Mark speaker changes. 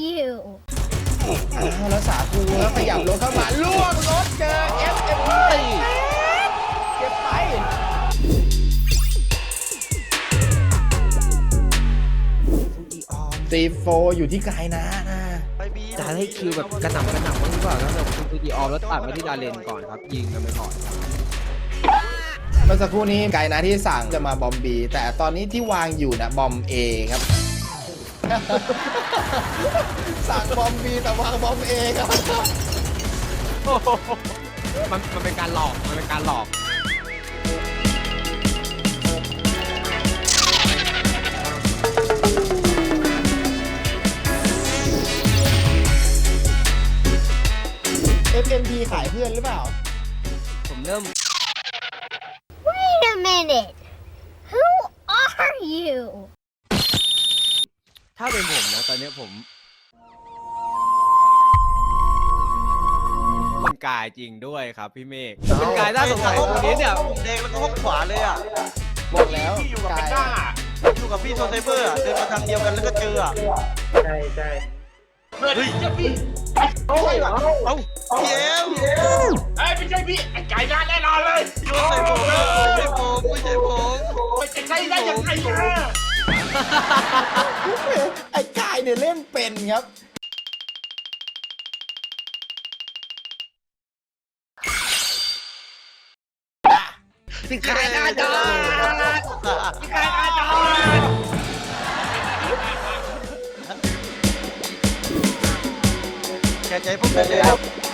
Speaker 1: you?
Speaker 2: แล้วสาคูแล้วขยับรถเข้ามาล่วงรถเจอ FMP เก็บไปซีโฟอยู่ที่ไกลนะ
Speaker 3: จะให้คิวแบบกระหน่ำบ้างหรือเปล่าแล้วแบบคุณตูดีออมแล้วตัดมาที่ดาเลนก่อนครับยิงกันไปก่อน
Speaker 2: เมื่อสักครู่นี้ไกลนะที่สั่งจะมาบอมบีแต่ตอนนี้ที่วางอยู่นะบอมเอครับ สั่งบอมบีแต่วางบอมเอครับ
Speaker 3: มันเป็นการหลอกมันเป็นการหลอก
Speaker 2: FMP ขายเพื่อนหรือเปล่า
Speaker 3: ผมเริ่ม
Speaker 1: Wait a minute. Who are you?
Speaker 3: ถ้าเป็นผมนะตอนนี้ผมคุณกายจริงด้วยครับพี่เมฆคุณกายน่าสงสัยตรงนี้เนี่ย
Speaker 4: แดงแล้วก็ห้องขวาเลยอ่ะ
Speaker 2: บอกแล้ว
Speaker 5: ที่อยู่กับ
Speaker 2: ไกล
Speaker 5: แพนด้า
Speaker 4: อยู่กับพี่โซไซเบอร์อะเดินมาทางเดียวกันแล้วก็เจออ่ะ
Speaker 5: เฮ้ยเจ้าพี่
Speaker 4: เอ้าพี่เอ็ม
Speaker 5: เอ้ยไม่ใช่พี่ไอ้ไก่ด้านแน่นอนเลย
Speaker 4: โยนใส่ผมไม่ใช่ผมไม่ใช่ผม
Speaker 5: ไม่จะใช่ได้ยังไงนะ
Speaker 2: ไอ้กายเนี่ยเล่นเป็นครับ
Speaker 4: พี่กายอาจารย์พี่กายอาจารย์แกใจพวกนั้นเลย